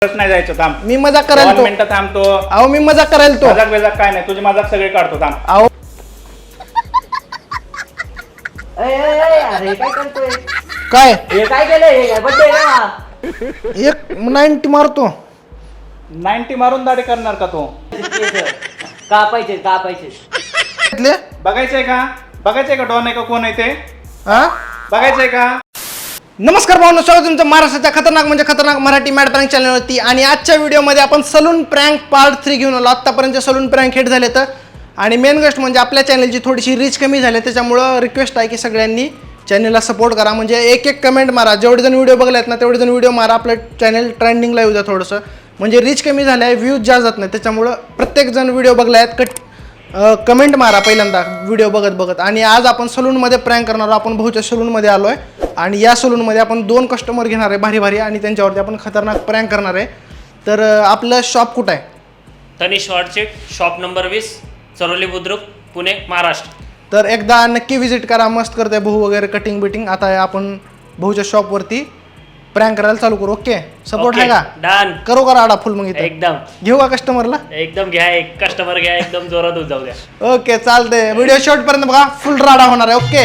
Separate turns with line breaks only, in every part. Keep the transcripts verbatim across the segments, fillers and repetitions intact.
नाही जायचं, थांब.
मी मजाक करायला तो.
मिनिटं थांबतो.
अहो मी मजाक करायला तो.
मजाक बेजाक काय नाही, तुझी मजाक सगळे काढतो, थांब.
अहो
अरे काय करतोय?
काय
हे काय केलंय? बड्डे ना.
एक नाईन्टी मारतो.
नाईन्टी मारून दाढी करणार का तू?
कापायचे कापायचे.
घेतले?
बघायचंय का? बघायचंय का डॉन आहे का कोण आहे ते?
हा
बघायचंय का?
नमस्कार भावनो, स्वागत तुमचं महाराष्ट्राच्या खतरनाक म्हणजे खतरनाक मराठी मॅड प्रँक चॅनलवरती. आणि आजच्या व्हिडिओमध्ये आपण सलून प्रँक पार्ट थ्री घेऊन आलो. आत्तापर्यंत सलून प्रँक हिट झाले तर, आणि मेन गोष्ट म्हणजे आपल्या चॅनलची थोडीशी रीच कमी झाली, त्याच्यामुळं रिक्वेस्ट आहे की सगळ्यांनी चॅनलला सपोर्ट करा. म्हणजे एक एक कमेंट मारा, जेवढे जण व्हिडिओ बघले आहेत ना तेवढे जण व्हिडिओ मारा, आपलं चॅनल ट्रेंडिंगला येऊ द्या थोडंसं. म्हणजे रीच कमी झालं आहे, व्ह्यूज जास्त जात नाही, त्याच्यामुळं प्रत्येकजण व्हिडिओ बघले आहेत कट कमेंट मारा पहिल्यांदा व्हिडिओ बघत बघत. आणि आज आपण सलूनमध्ये प्रँक करणार आहोत. आपण भाऊच्या सलूनमध्ये आलो आहे आणि या सलूनमध्ये आपण दोन कस्टमर घेणार आहे भारी भारी, आणि त्यांच्यावरती आपण खतरनाक प्रँक करणार आहे. तर आपलं शॉप कुठं आहे?
तनिष वाडचे शॉप नंबर वीस, चरोली बुद्रुक, पुणे, महाराष्ट्र.
तर एकदा नक्की व्हिजिट करा. मस्त करते भाऊ वगैरे कटिंग बिटिंग. आता आपण भाऊच्या शॉपवरती प्रँक करायला चालू करू. ओके, सपोर्ट आहे का?
डन.
करू का राडा फुल? मग इथं
एकदम
घेऊ का कस्टमरला?
एकदम घ्या, एक कस्टमर घ्या, एकदम जोरात होत जाऊ द्या.
ओके चालते. व्हिडिओ शॉर्ट पर्यंत बघा, फुल राडा होणार आहे. ओके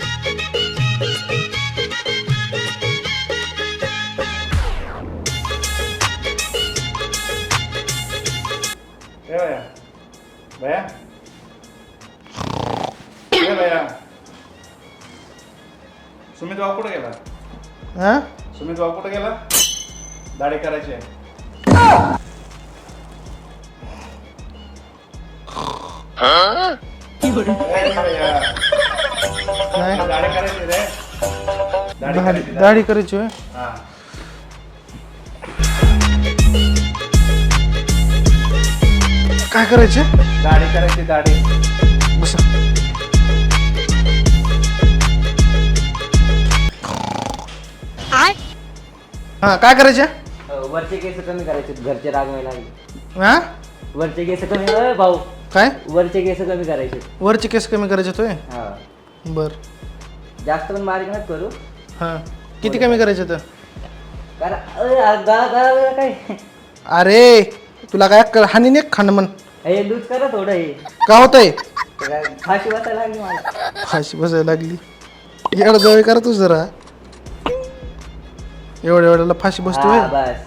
ए भैया, भैया, ए भैया, सुमित भाऊ कुठे गेला?
हां
सुमित भाऊ कुठे गेला? दाढी करायची आहे. ए भैया,
नाही
दाढी करायची रे. दाढी
दाढी
करायची,
दाढी करायची होय.
हा.
काय करायचे?
दाढी करायची, दाढी.
बस हां काय करायचे?
वरचे केस कमी करायचे, घरचे रागवायला लागले.
हां
वरचे केस कमी अ, भाऊ
काय?
वरचे केस कमी करायचे.
वरचे केस कमी करायचे होय.
हा,
बर
जास्त पण बारीक नका करू.
हां किती कमी करायचे तर?
कारण अ, आ, गा- गा- काय
अरे तुला काय अक्कल हानी नाही खाणं म्हण.
हे लूज करा थोडं. हे
का होतंय?
काय फाशी वाचायला लागली मला.
फाशी बसायला लागली. एवढं जवळ करा तू जरा. एवढ्या एवढ्याला फाशी बसतोय.
हा, बस.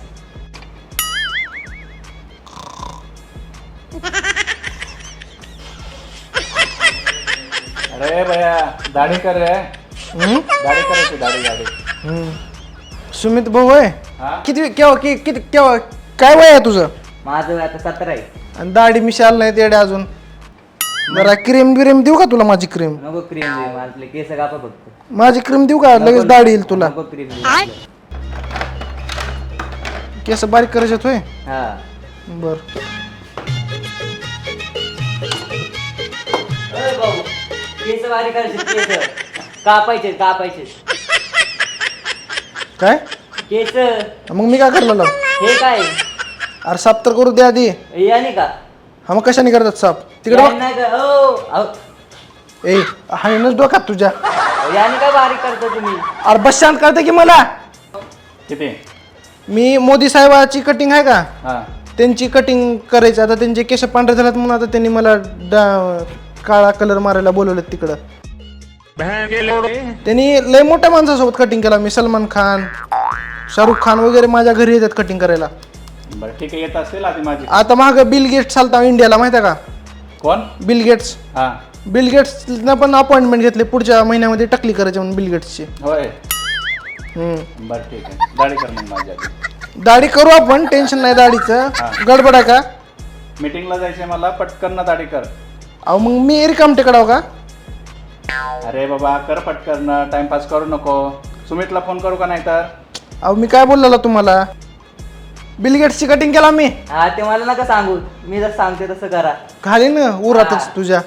अरे भैया, दाढी कर रे.
हम्म?
दाढी करायची, दाढी, दाढी.
हम्म. सुमित भाऊ होय.
हा?
किती केव्हा कि- किती केव्हा काय वय आहे तुझं?
माझं वय आता सतरा आहे.
आणि दाढी मिशाल नाही तेडे अजून. जरा क्रीम बिरीम देऊ का तुला? माझी क्रीम
नको क्रीम दे, माझले केस कापा फक्त.
माझी क्रीम देऊ का? लगेच दाढी येईल तुला.
नको क्रीम दे.
केस बारीक करायचे होय.
हा,
बर
अरे भाऊ, केस बारीक करायचे, केस कापायचे कापायचे
काय?
केस.
मग मी काय करलो?
हे काय
अरे साफ तर करू दे आधी.
याने का?
हा मग कशाने करतात साफ? तिकडे
याने नाही का? हो, अहो,
बघ. ए हाणच डोक्यात तुझ्या.
याने काय बारीक करता तुम्ही?
अरे बस शांत करते की मला.
किती?
मी मोदी साहेबाची कटिंग आहे का,
हा.
त्यांची कटिंग करायची. आता त्यांचे केस पांढरे झालेत म्हणून आता त्यांनी मला डा- काळा कलर मारायला बोलवलं तिकडं. त्यांनी लय मोठ्या माणसासोबत कटिंग केला. मी सलमान खान, शाहरुख खान वगैरे माझ्या घरी येतात कटिंग करायला.
बरं ठीक आहे, येत असेल आधी माझी.
आता माग बिल गेट्स चालता इंडियाला, माहिती आहे का?
कोण?
Bill Gates.
हा,
बिल गेट्सनं पण अपॉइंटमेंट घेतली पुढच्या महिन्यामध्ये टकली करायची म्हणून बिल गेट्सची.
होय.
हम्म.
बरं ठीक आहे, दाढी कर मग माझी आधी.
दाढी करू आपण, टेन्शन नाही दाढीचं. गडबड आहे का?
मीटिंगला जायचंय मला, पटकन ना दाढी कर.
अहो मग मी रिकाम टेकडाव का?
अरे बाबा कर पटकन, टाइमपास करू नको. सुमितला फोन करू का नाही तर?
अहो मी काय बोललेलो तुम्हाला? बिल गेट्सची कटिंग केला मी.
हा, ते मला नका सांगू, मी जर सांगते तसं करा.
घाली ना उरातच तुझ्या.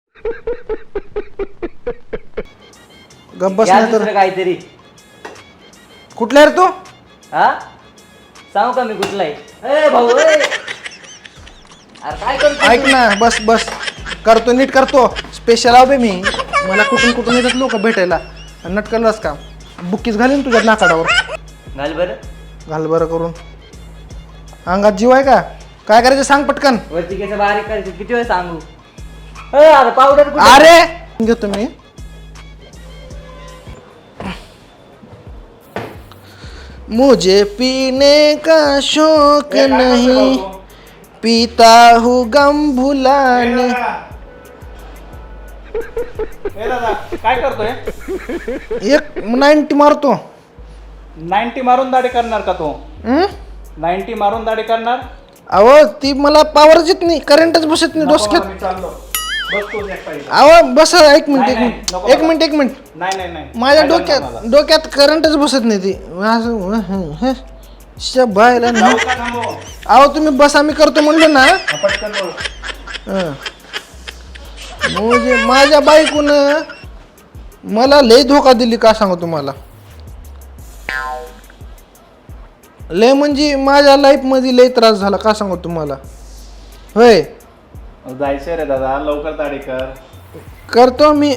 गप्प बस
या
नाही तर.
दुसरं काहीतरी.
कुठला रे तू?
हा, सांगू का मी कुठला आहे? ए भाऊ, ए. अरे काय करतो?
ऐक ना, बस बस करतो, नीट करतो. स्पेशल आवे मी. मला कुठून कुठून येतात लोक भेटायला. नटकलच का बुकीच घालीन तुझ्या नाकाडावर.
घाल बरं.
घाल बरं करून. अंगात जीव आहे का? काय करायचं सांग पटकन.
वरची केस बारीक करायची, किती वेळ सांगू? ए, अरे पावडर कुठे?
अरे घेतो मी. मुझे पीने का शौक
ए, काय करतोय
नहीं,
भाऊ तू?
पीता हूँ गम
ए,
भुलाने.
दादा. ए दादा काय करतोय?
एक नाईन्टी मारतो.
नाईन्टी मारून दाढी करणार का तू?
हं?
नाईन्टी मारून दाढी करणार?
अहो ती मला पावरच येत नाही, करंटच बसत नाही
नको
डोसक्यात.
मला, मी चाललो. बस तूच एक पाहिजे.
अहो बस एक मिनिट
नाही,
एक
नाही,
मिनिट
नको
एक
मला.
मिनिट एक मिनिट
नाही नाही नाही
माझ्या
काय
डोक्यात
जमणार मला?
डोक्यात करंटच बसत नाही ती असं शबायला ना.
जाऊ का थांबू?
अहो तुम्ही बस आम्ही करतो म्हणलं ना.
हा, पटकन बोल.
हं. म्हणजे माझ्या बायकोन मला लय धोका दिली का सांगू तुम्हाला. लय म्हणजे माझ्या लाईफ मध्ये लय त्रास झाला का सांगू तुम्हाला. होय
जायचंय रे दादा, लवकर दाढी कर.
करतो मी.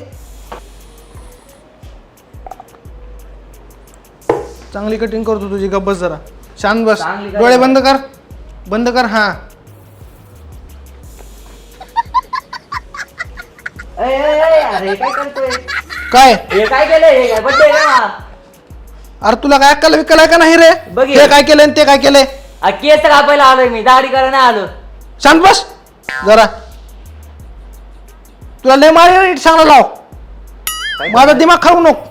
चांगली कटिंग करतो तुझी. गप्प बस जरा, शांत बस.
चांगली कर.
डोळे बंद कर, बंद कर. हा
ए, ए, ए, अरे काय करतोय?
काय?
हे काय केलंय? हे काय बड्डे का?
अरे तुला काय अक्कल विकल आहे का नाही रे?
बघ हे.
ते काय केलंय आणि ते काय केलंय?
आ, केस कापायला आलोय मी, दाढी करायला नाही आलो.
शांत बस जरा. तुला लय मारी सांगला लाव. माझा दिमाग खाऊ नको.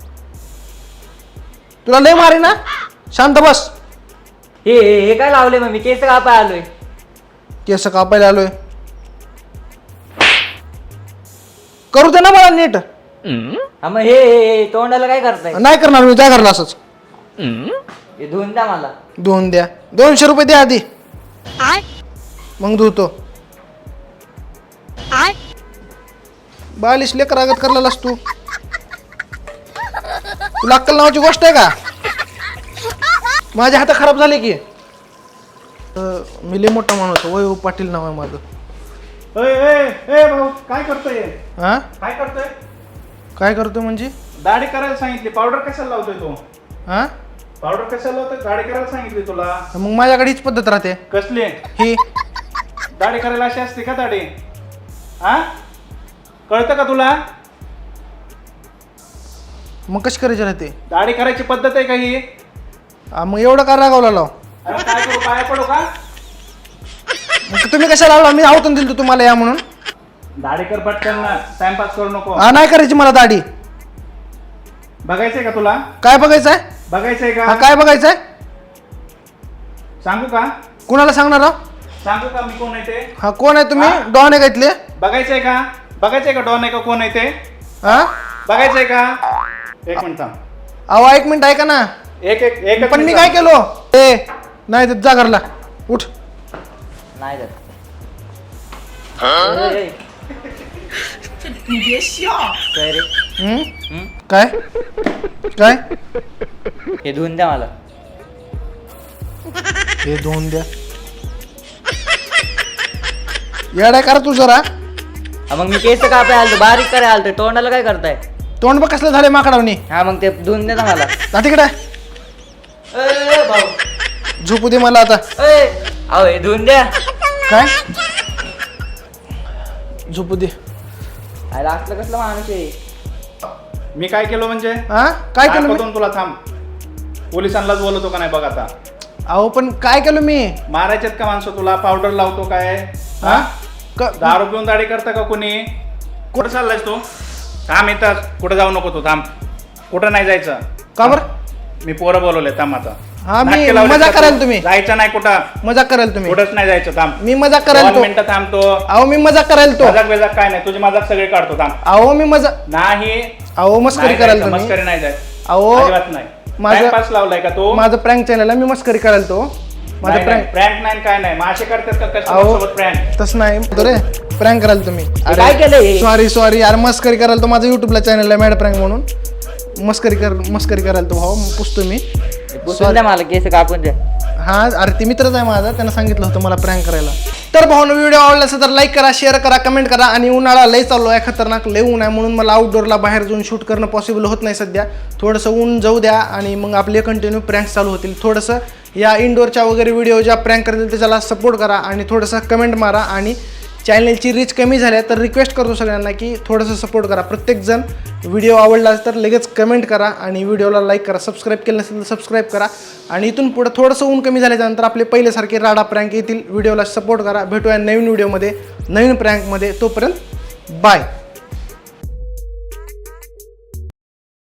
तुला लय मारी ना. शांत बस.
हे हे हे काय लावले मग? मी केस कापाय आलोय.
केस कापायला आलोय. करू दे ना मला नीट.
हा मग हे हे हे तोंडाला काय करताय?
नाही करणार मी, काय करला असंच.
हे धुवून द्या मला.
दोन द्या. दोनशे रुपये द्या आधी, मग धुतो. बालिश लेकर आगत करलेलास तू. तुला अक्कल नावाची गोष्ट आहे का? माझे हात खराब झाले की. अं, मी लय मोठा माणूस आहे. वैभव पाटील नाव आहे माझं.
ए, ए, ए भाऊ काय करतोय?
हा
काय करतोय?
काय करतो म्हणजे?
दाढी करायला सांगितली, पावडर कशाला लावतोय तू?
हा
पावडर कशाला लावतोय? दाढी करायला सांगितली तुला.
मग माझ्याकडे हीच पद्धत राहते.
कसली
ही
दाढी करायला अशी असते का दाढी? हा, कळतं का तुला?
मग कशी करायची राहते?
दाढी करायची पद्धत आहे का ही?
हा, मग एवढं का रागावला लाव?
अरे काय करू, पाया पडू का?
मग तुम्ही कशाला लावला? मी आवतून दिलं तुम्हाला या म्हणून.
दाढी कर पटकन ना, टाइमपास करू नको.
हा नाही करायची मला दाढी.
बघायचंय का तुला?
काय बघायचंय?
बघायचंय
हा
का?
काय बघायचंय?
सांगू का?
कुणाला सांगणार आहो?
सांगू का मी कोण आहे ते?
हा कोण आहे तुम्ही?
हा?
डॉन आहे का इथले?
बघायचंय का? बघायचंय का डॉन आहे का कोण आहे ते?
हा
बघायचंय का? एक मिनिट थांब.
अहो एक मिनिट ऐका ना.
एक एक एक
पण मी काय केलो? ए नाही देत, जा घरला उठ.
नाही जात. ए, ए. काय रे?
हम्म?
हम्म?
काय काय
हे धुवून द्या मला.
हे धुवून द्या. येडाय करा तू जरा.
हा, मग मी केस कापाय आलतो, बारीक करायला आलतो. तोंडाला काय करताय?
तोंड बघ कसलं झाले माकडावनी.
हा मग ते धुवून द्या ना मला.
जा तिकडे.
ए, ए, भाऊ.
झोपू दे मला आता.
ए, अहो हे धुवून द्या.
काय झोपू दे.
अरे असलं कसलं माणूस आहे?
मी काय केलं म्हणजे?
हा काय केलं मी?
दाखवतो तुला, थांब. पोलिसांनाच बोलवतो का नाही बघ आता.
अहो पण काय केलं मी?
मारायचेत का माणसं तुला? पावडर लावतो काय?
हा
हा,
क-
दारू पिऊन दाढी करता का कोणी? कुठं चाललायस तू? थांब इथं, कुठं जाऊ नको तू, थांब. कुठं नाही जायचं.
का बरं?
मी पोरं बोलवले, थांब आता.
हा, मी
नाटके लावलेत
मजाक
का तू?
करायला तुम्ही.
जायचं नाही कुठं,
मजाक करायला तुम्ही.
कुठंच नाही जायचं, थांब.
मी मजाक करायला
दोन
तो.
मिनिटं थांबतो.
अहो मी मजाक करायला तो.
मजाक बेजाक काय नाही, तुझी मजाक सगळी काढतो, थांब.
अहो मी मजा
नाही
अहो मस्करी
नाही
करायला
जायचं,
तुम्ही.
मस्करी नाही जायचं.
अहो
अजिबात नाही.
माझं-
टाइमपास लावलाय का तू?
माझं प्रँक चॅनल आहे, मी मस्करी करायला तो. माझं प्रँक
प्रँक नाही काय नाही, मासे करतात का
अहो.
कस्टमर सोबत प्रँक?
तसं नाही रे. प्रँक करायला तुम्ही.
काय केलंय?
सॉरी सॉरी यार, मस्करी करायला तो. माझं युट्यूबला चॅनल आहे मॅड प्रँक म्हणून. मस्करी कर मस्करी करायला तो भाऊ, पुसतो मी.
पुसून द्या मला, केस कापून द्या.
हा अरे ते मित्रच आहे माझा, त्यानं सांगितलं होतं मला प्रँक करायला. तर भाऊनो व्हिडिओ आवडला असेल तर लाईक करा, शेअर करा, कमेंट करा. आणि उन्हाळा लय चालू आहे, खतरनाक लय ऊन आहे, म्हणून मला आउटडोअरला बाहेर जाऊन शूट करणं पॉसिबल होत नाही सध्या. थोडंसं ऊन जाऊ द्या आणि मग आपले कंटिन्यू प्रँक्स चालू होतील. थोडंसं या इंडोरच्या वगैरे व्हिडिओ ज्या प्रँक करतील त्याच्याला सपोर्ट करा आणि थोडंसं कमेंट मारा. आणि चॅनलची रीच कमी झाली तर रिक्वेस्ट करतो सगळ्यांना की थोडंसं सपोर्ट करा. प्रत्येकजण व्हिडिओ आवडला तर लगेच कमेंट करा आणि व्हिडिओला लाईक करा. सबस्क्राईब केलं नसेल तर सबस्क्राईब करा. आणि इथून पुढं थोडंसं ऊन कमी झाल्याच्यानंतर आपले पहिल्यासारखे राडा प्रँक येतील. व्हिडिओला सपोर्ट करा. भेटूया नवीन व्हिडिओमध्ये नवीन प्रँकमध्ये. तोपर्यंत बाय.